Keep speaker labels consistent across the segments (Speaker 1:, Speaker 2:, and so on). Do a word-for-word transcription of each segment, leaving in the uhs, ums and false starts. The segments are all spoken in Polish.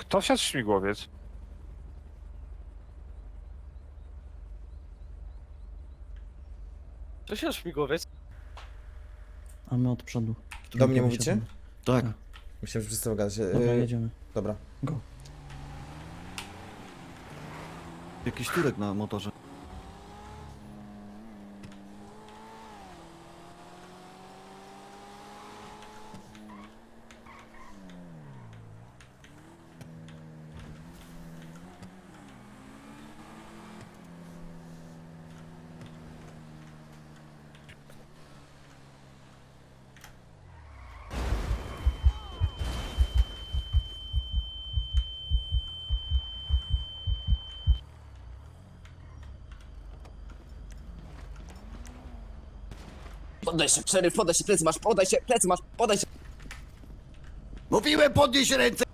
Speaker 1: Kto wsiadł w śmigłowiec?
Speaker 2: To się śmigłowiec.
Speaker 3: A my od przodu.
Speaker 4: Do mnie
Speaker 3: Drugiego
Speaker 4: mówicie?
Speaker 3: siadamy.
Speaker 5: Tak.
Speaker 4: Myślałem, że wszyscy gadacie.
Speaker 3: Dobra,
Speaker 4: Yy,
Speaker 3: jedziemy.
Speaker 4: dobra.
Speaker 3: Go.
Speaker 5: Jakiś turek na motorze.
Speaker 2: Podaj się, szeryf, podaj się, plecy masz, podaj się, plecy masz, podaj się.
Speaker 5: Mówiłem podnieś ręce!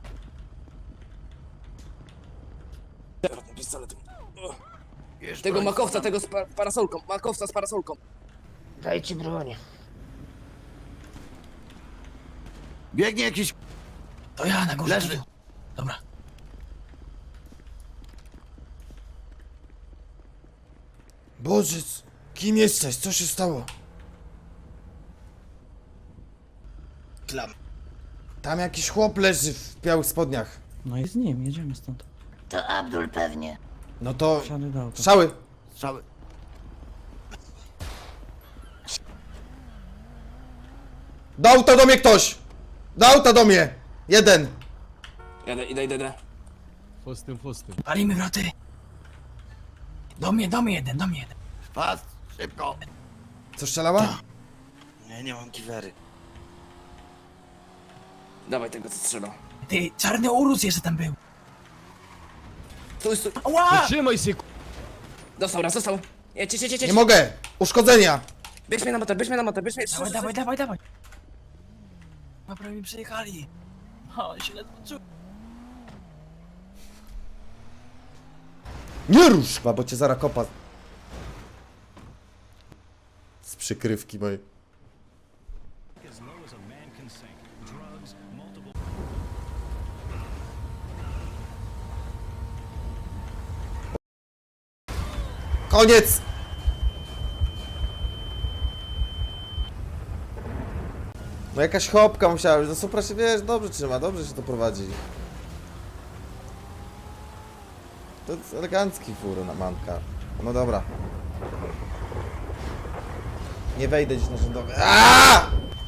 Speaker 2: Tym pistoletem. Tego makowca, tego z pa parasolką, makowca z parasolką.
Speaker 6: Dajcie broń.
Speaker 5: Biegnie jakiś...
Speaker 6: To ja na górze.
Speaker 5: Leży.
Speaker 6: Dobra.
Speaker 4: Boże, kim jesteś? Co się stało?
Speaker 6: Klam.
Speaker 4: Tam jakiś chłop leży w białych spodniach.
Speaker 3: No i z nim, jedziemy stąd.
Speaker 6: To Abdul pewnie.
Speaker 4: No to...
Speaker 3: Wsiady do auta.
Speaker 4: Strzały!
Speaker 5: Strzały.
Speaker 4: Do auta do mnie ktoś! Do auta do mnie! Jeden!
Speaker 2: Jadę, idę, idę, idę.
Speaker 7: Fustym, fustym.
Speaker 6: Palimy wroty. Do mnie, do mnie jeden, do mnie jeden.
Speaker 5: Pas, szybko.
Speaker 4: Co strzelała?
Speaker 5: Nie, nie mam kiwery.
Speaker 2: Dawaj tego, co strzela.
Speaker 6: Ty, czarny urus jeszcze tam był.
Speaker 2: Stój, stój.
Speaker 6: Ała!
Speaker 7: Trzymaj się, ku...
Speaker 2: Dostał raz, dostał. Jedź, jedź, jedź, jedź.
Speaker 4: Nie mogę! Uszkodzenia!
Speaker 2: Bierz mnie na motor, bierz mnie na motor, bierz mnie.
Speaker 6: Dawaj, dawaj, dawaj, dawaj. No prawie mi przejechali. O, się ledwo czuł.
Speaker 4: Nie rusz! Chyba, bo cię zara kopa. Z przykrywki mojej. Koniec! No jakaś chopka musiała być, no Supra się, wiesz, dobrze trzyma, dobrze się to prowadzi. To jest elegancki fur na manka. No dobra. Nie wejdę dziś na rządowy. Aaaa!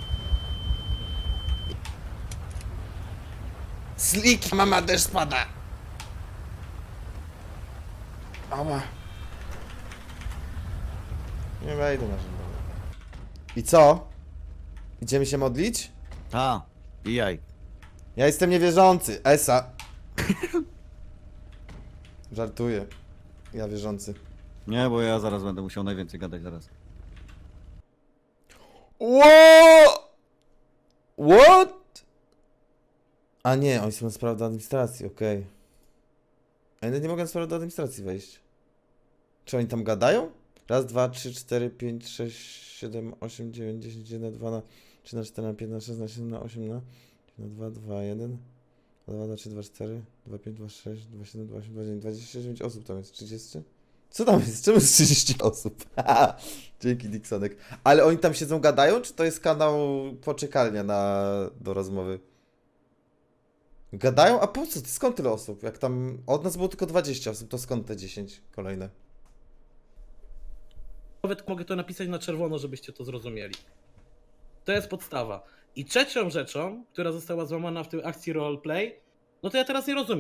Speaker 4: Slick, mama też spada. Ała. Nie wejdę na rządowy. I co? Idziemy się modlić?
Speaker 5: Ta, i jaj.
Speaker 4: Ja jestem niewierzący. Esa. Żartuję. Ja wierzący.
Speaker 5: Nie, bo ja zaraz będę musiał najwięcej gadać zaraz.
Speaker 4: What? What? A nie, oni są na sprawę do administracji, okej. Okay. A ja nie mogę na sprawę do administracji wejść. Czy oni tam gadają? Raz, dwa, trzy, cztery, pięć, sześć, siedem, osiem, dziewięć, dziesięć, jeden, dwa na trzy na cztery na pięć na sześć na siedem na osiem na na dwa, dwa, jeden, dwa, dwa, trzy, dwa, cztery, dwa, pięć, dwa, sześć, dwa, siedem, dwa, osiem, dwa, dziewięć, dwadzieścia dziewięć osób tam jest, trzydzieści? Co tam jest? Czemu jest trzydzieści osób? Dzięki Dixonek. Ale oni tam siedzą, gadają, czy to jest kanał poczekalnia na, do rozmowy? Gadają? A po co? Skąd tyle osób? Jak tam od nas było tylko dwadzieścia osób, to skąd te dziesięć kolejne?
Speaker 8: Nawet mogę to napisać na czerwono, żebyście to zrozumieli. To jest podstawa. I trzecią rzeczą, która została złamana w tej akcji roleplay, no to ja teraz nie rozumiem.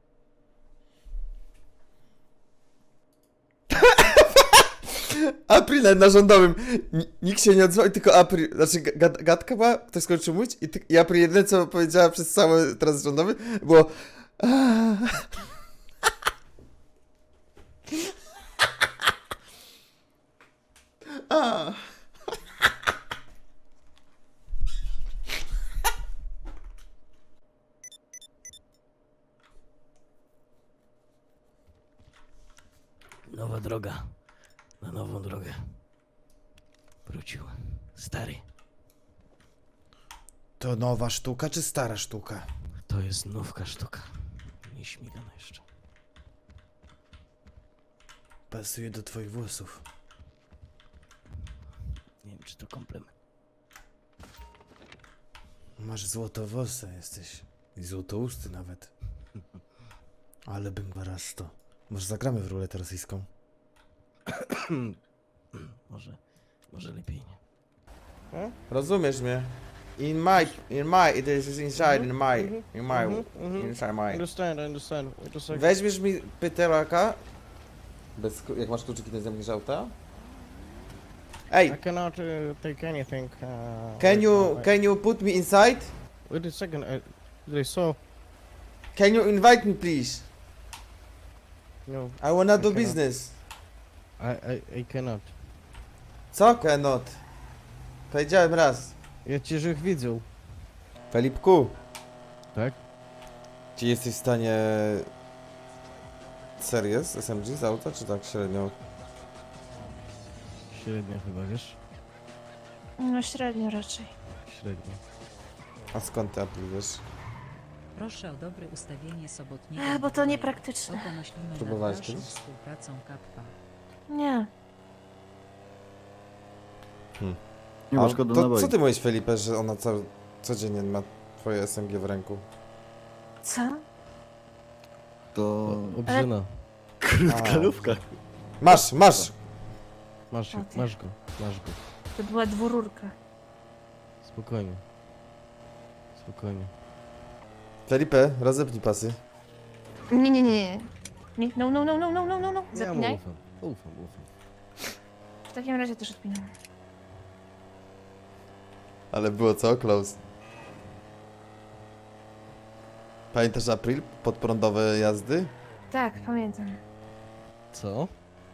Speaker 4: April na rządowym. N- nikt się nie odzwał, tylko April. Znaczy, gad gadka była, ktoś skończył mówić i, ty, i April jedyne, co powiedziała przez cały teraz rządowy, było. A.
Speaker 6: Nowa droga. Na nową drogę. Wrócił. Stary.
Speaker 4: To nowa sztuka, czy stara sztuka?
Speaker 6: To
Speaker 7: To jest nówka sztuka. Nie śmigana jeszcze.
Speaker 4: Pasuje do twoich włosów.
Speaker 7: Nie wiem, czy to komplement.
Speaker 4: Masz złotowłosy jesteś. I złotousty nawet. Ale bym go raz to. Może zagramy w ruletę rosyjską?
Speaker 7: Może, może lepiej nie.
Speaker 4: Rozumiesz mnie? In my, in my, it is inside, in my, in my, inside my.
Speaker 1: Understand, understand. Wait a second.
Speaker 4: Weźmiesz mi pytelaka? Bez, klu- jak masz kluczyki, to nie zamkniesz auta? Ej,
Speaker 1: I cannot uh, take anything. Uh,
Speaker 4: can
Speaker 1: right
Speaker 4: you,
Speaker 1: now.
Speaker 4: can you put me inside?
Speaker 1: Wait a second. I, they saw.
Speaker 4: Can you invite me please?
Speaker 1: No,
Speaker 4: I wanna do
Speaker 1: I cannot.
Speaker 4: business.
Speaker 1: I, I, I cannot.
Speaker 4: Co cannot? Powiedziałem raz.
Speaker 1: Ja cię żech widział.
Speaker 4: Felipku.
Speaker 1: Tak?
Speaker 4: Czy jesteś w stanie... Serio z S M G z auta, czy tak średnio?
Speaker 1: Średnio chyba, wiesz?
Speaker 9: No średnio raczej.
Speaker 1: Średnio.
Speaker 4: A skąd ty Apple wiesz?
Speaker 10: Proszę o dobre ustawienie sobotniego.
Speaker 9: E, bo to
Speaker 10: jubileju.
Speaker 9: niepraktyczne.
Speaker 10: Oto myślimy
Speaker 4: Próbowałeś
Speaker 10: nad dalszą
Speaker 4: kiedyś?
Speaker 10: współpracą Kappa.
Speaker 9: Nie.
Speaker 5: Nie
Speaker 4: A
Speaker 5: ma szkody
Speaker 4: to
Speaker 5: naboi.
Speaker 4: co ty mówisz, Felipe, że ona co, codziennie ma twoje S M G w ręku?
Speaker 9: Co?
Speaker 5: To...
Speaker 1: Obrzyna.
Speaker 5: Krótkalówka.
Speaker 4: Masz, masz!
Speaker 1: Masz,
Speaker 9: O ty.
Speaker 1: masz go, masz go.
Speaker 9: To była dwururka.
Speaker 1: Spokojnie. Spokojnie.
Speaker 4: Felipe, rozepnij pasy.
Speaker 9: Nie, nie, nie. nie. No, no, no, no, no, no, no, no.
Speaker 1: Ja mu
Speaker 9: Zapinaj.
Speaker 1: ufam. Ufam, ufam.
Speaker 9: W takim razie też odpinam.
Speaker 4: Ale było co? Close. Pamiętasz April? Podprądowe jazdy?
Speaker 9: Tak, pamiętam.
Speaker 1: Co?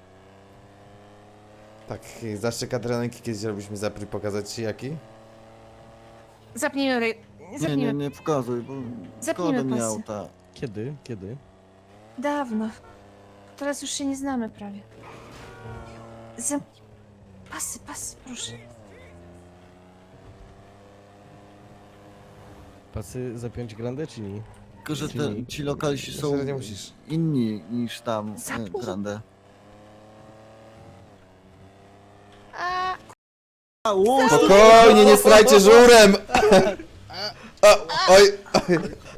Speaker 4: Tak, zaszczyk adrenalinki kiedyś robiliśmy z April, pokazać ci jaki?
Speaker 9: Zapnijmy rej...
Speaker 5: Nie, nie,
Speaker 9: Zapnijmy.
Speaker 5: nie pokazuj, bo
Speaker 9: Zapnijmy
Speaker 5: szkoda mi
Speaker 9: pasy.
Speaker 5: auta.
Speaker 1: Kiedy? Kiedy?
Speaker 9: Dawno. Teraz już się nie znamy prawie. Zamknij. Pasy, pasy, proszę.
Speaker 1: Pasy zapiąć grandę czy nie?
Speaker 5: Tylko, że
Speaker 1: Czyli-
Speaker 5: te, ci lokalsi
Speaker 4: Myślę,
Speaker 5: są
Speaker 4: że nie musisz.
Speaker 5: inni niż tam e,
Speaker 9: Zapnij.
Speaker 5: Grande.
Speaker 9: A,
Speaker 5: A, ło,
Speaker 4: Spokojnie, nie strajcie żurem! O, oj, oj.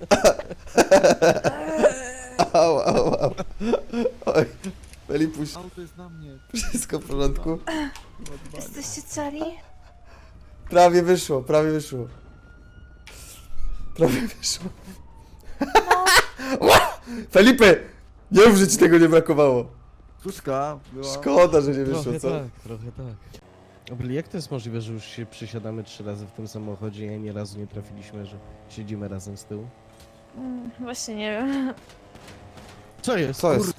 Speaker 4: Au, au, au. Oj, Felipuś,
Speaker 5: auto jest na mnie.
Speaker 4: wszystko w porządku?
Speaker 9: jesteście cali?
Speaker 4: Prawie wyszło, prawie wyszło. Prawie wyszło. Felipe! Nie mów, że ci tego nie brakowało.
Speaker 5: Tuska była...
Speaker 4: Szkoda, że nie wyszło,
Speaker 1: Trochę
Speaker 4: co?
Speaker 1: tak, trochę tak. Obli, jak to jest możliwe, że już się przesiadamy trzy razy w tym samochodzie i ani razu nie trafiliśmy, że siedzimy razem z tyłu?
Speaker 9: Mm, właśnie nie wiem.
Speaker 1: Co jest?
Speaker 4: Co jest?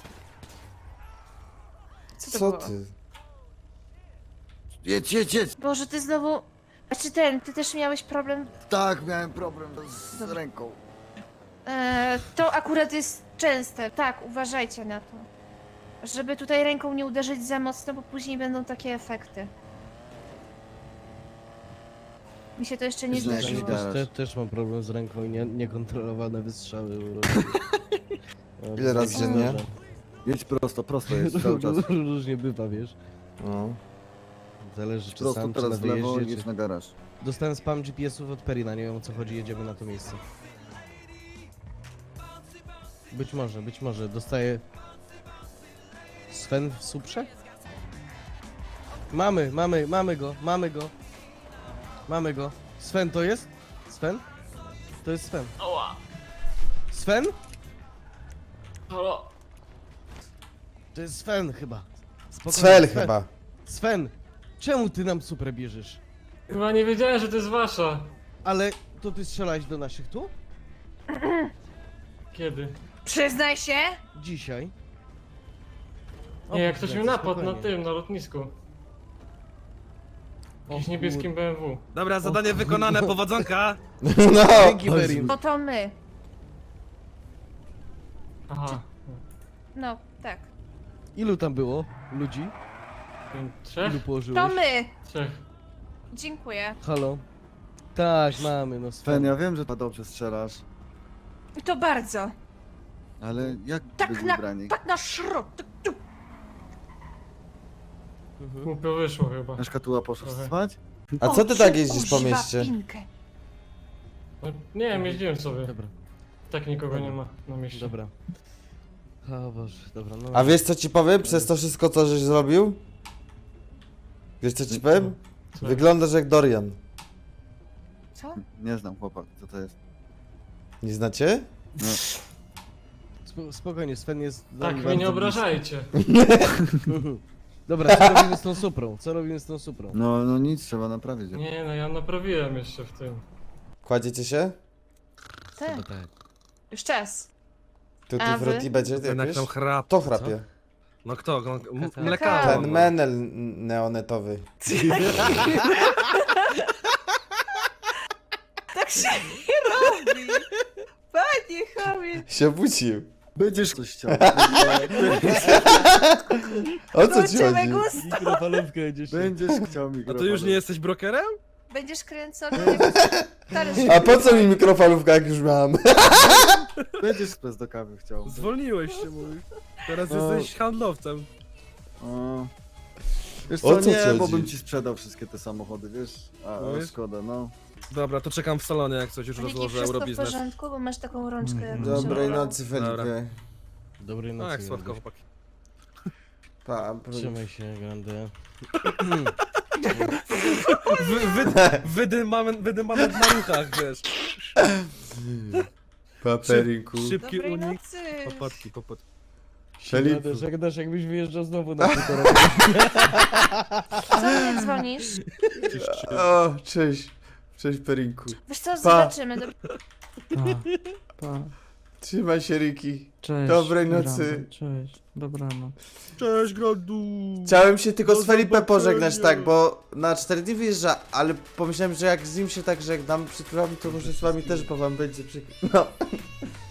Speaker 9: Co to
Speaker 4: Co
Speaker 9: było?
Speaker 4: ty?
Speaker 5: Jedź, jedź, jedź.
Speaker 9: Boże, ty znowu... A czy ten, ty też miałeś problem?
Speaker 5: Tak, miałem problem z
Speaker 9: Dobra.
Speaker 5: ręką.
Speaker 9: E, to akurat jest częste. Tak, uważajcie na to. Żeby tutaj ręką nie uderzyć za mocno, bo później będą takie efekty. Mi się to jeszcze nie
Speaker 5: Znaczy,
Speaker 9: zdarzyło.
Speaker 5: tak.
Speaker 1: Te, też mam problem z ręką i nie, niekontrolowane wystrzały. No,
Speaker 4: Ile razy dziennie?
Speaker 5: Jedź prosto, prosto jest cały czas.
Speaker 1: Różnie bywa, wiesz.
Speaker 4: No.
Speaker 1: Zależy czy
Speaker 5: Prosto
Speaker 1: sam, czy na
Speaker 5: teraz w lewo i
Speaker 1: wyjeździe,
Speaker 5: jedź
Speaker 1: czy...
Speaker 5: na garaż.
Speaker 1: Dostałem spam G P S-ów od Perina, nie wiem o co chodzi, jedziemy na to miejsce. Być może, być może. Dostaję... Sven w Suprze? Mamy, mamy, mamy go, mamy go. Mamy go. Sven to jest? Sven? To jest Sven. Sven?
Speaker 6: Halo?
Speaker 1: To jest Sven chyba. Spokojnie,
Speaker 4: Cfel
Speaker 1: Sven.
Speaker 4: chyba.
Speaker 1: Sven, czemu ty nam Suprę bierzesz?
Speaker 6: Chyba nie wiedziałem, że to jest wasza.
Speaker 1: Ale to ty strzelałeś do naszych tu?
Speaker 6: Kiedy?
Speaker 9: Przyznaj się!
Speaker 1: Dzisiaj.
Speaker 6: Nie, jak ktoś
Speaker 1: kurde,
Speaker 6: mi napadł na
Speaker 1: spokojnie.
Speaker 6: tym, na lotnisku. W jakimś
Speaker 1: O
Speaker 6: niebieskim B M W.
Speaker 8: Dobra, zadanie wykonane, powodzonka.
Speaker 4: No!
Speaker 1: Dzięki Perin.
Speaker 9: Bo to my.
Speaker 6: Aha.
Speaker 9: No, tak.
Speaker 1: Ilu tam było ludzi?
Speaker 6: Trzech?
Speaker 1: Ilu położyłeś?
Speaker 9: To my!
Speaker 6: Trzech.
Speaker 9: Dziękuję.
Speaker 1: Halo? Tak, mamy, no
Speaker 5: Sven,
Speaker 1: Sven.
Speaker 5: ja wiem, że dobrze strzelasz.
Speaker 9: I to bardzo.
Speaker 5: Ale jak
Speaker 9: Tak
Speaker 5: byli
Speaker 9: na,
Speaker 5: ubrani?
Speaker 9: tak na szrot. Tak, tu.
Speaker 8: Głupio wyszło chyba.
Speaker 5: Na szkatuła poszła
Speaker 8: Trochę.
Speaker 5: spać?
Speaker 4: A co ty tak jeździsz po
Speaker 9: Używa
Speaker 4: mieście?
Speaker 9: pinkę.
Speaker 8: Nie wiem, jeździłem sobie.
Speaker 1: Dobra,
Speaker 8: Tak nikogo nie ma na mieście.
Speaker 1: dobra. O Boże, dobra, no.
Speaker 4: A wiesz co ci powiem przez to wszystko co żeś zrobił? Wiesz co ci powiem?
Speaker 8: Co?
Speaker 4: Wyglądasz jak Dorian.
Speaker 9: Co?
Speaker 5: Nie znam chłopak, co to jest.
Speaker 4: Nie znacie?
Speaker 5: No,
Speaker 1: Sp- spokojnie, Sven jest...
Speaker 8: Tak,
Speaker 1: nam
Speaker 8: mnie nie
Speaker 1: bardzo
Speaker 8: obrażajcie.
Speaker 1: bliski. Dobra, co robimy z tą suprą? Co robimy z tą suprą?
Speaker 5: no, no nic, trzeba naprawić.
Speaker 8: Nie, no ja naprawiłem jeszcze w tym.
Speaker 4: Kładziecie się?
Speaker 9: Tak.
Speaker 7: tak.
Speaker 9: Już czas.
Speaker 4: Tutti
Speaker 9: A wy?
Speaker 4: frutti będzie
Speaker 6: Jednak
Speaker 4: jakieś?
Speaker 6: tam chrap.
Speaker 4: To chrapie.
Speaker 6: No kto? No, m-
Speaker 9: Kakao.
Speaker 6: mlekarz.
Speaker 4: Ten menel neonetowy.
Speaker 9: Tak się nie robi. Panie chamie.
Speaker 4: Się obudził.
Speaker 5: Będziesz coś chciał.
Speaker 4: O co ci
Speaker 9: Zobaczymy
Speaker 4: chodzi?
Speaker 9: gusto.
Speaker 1: Mikrofalówkę będziesz...
Speaker 5: Będziesz chciał
Speaker 6: A
Speaker 5: mikrofon.
Speaker 6: ty już nie jesteś brokerem?
Speaker 9: Będziesz kręcony. jak talerz-
Speaker 4: A po co mi mikrofalówka jak już mam?
Speaker 5: Będziesz spes do kawy chciał.
Speaker 6: Zwolniłeś się, mój. Teraz
Speaker 5: No.
Speaker 6: jesteś handlowcem.
Speaker 5: O. Wiesz
Speaker 4: O
Speaker 5: co,
Speaker 4: co
Speaker 5: nie,
Speaker 4: ci
Speaker 5: bo
Speaker 4: chodzi?
Speaker 5: bym ci sprzedał wszystkie te samochody, wiesz? A,
Speaker 6: No
Speaker 5: o,
Speaker 6: wiesz?
Speaker 5: szkoda, no.
Speaker 6: Dobra, to czekam w salonie, jak coś już
Speaker 9: Paniki,
Speaker 6: rozłożę
Speaker 9: wszystko w
Speaker 6: Eurobiznes.
Speaker 9: porządku, bo masz taką rączkę jak
Speaker 4: Dobrej
Speaker 9: trzeba.
Speaker 4: nocy, Felipe.
Speaker 1: Dobrej
Speaker 6: No
Speaker 1: nocy.
Speaker 6: jak słodko,
Speaker 1: Grande.
Speaker 6: chłopaki.
Speaker 4: Pa,
Speaker 1: Trzymaj się, Grande.
Speaker 6: Wy, wy, wydymamy, wydymamy w maruchach, wiesz.
Speaker 4: Paperinku.
Speaker 6: Szybki
Speaker 9: Dobrej
Speaker 6: unik.
Speaker 9: nocy.
Speaker 6: Popadki, popadki.
Speaker 4: Felipe.
Speaker 1: Gadasz, jak gadasz, jakbyś wyjeżdżał znowu na półtora.
Speaker 9: Co do mnie dzwonisz?
Speaker 4: O, cześć. Cześć, Perinku.
Speaker 9: Wiesz co, zobaczymy. Dob-
Speaker 3: Pa, pa.
Speaker 4: Trzymaj się, Riki.
Speaker 3: Cześć.
Speaker 4: Dobrej
Speaker 3: Grande,
Speaker 4: nocy.
Speaker 3: Cześć. Dobranoc.
Speaker 6: Cześć, Grodu.
Speaker 4: Chciałem się tylko
Speaker 6: Do
Speaker 4: z Felipe
Speaker 6: zobaczenia.
Speaker 4: pożegnać, tak, bo na cztery dni wyjeżdża, ale pomyślałem, że jak z nim się tak żegnam, przytulam, to może z wami też, bo wam będzie przykro. No.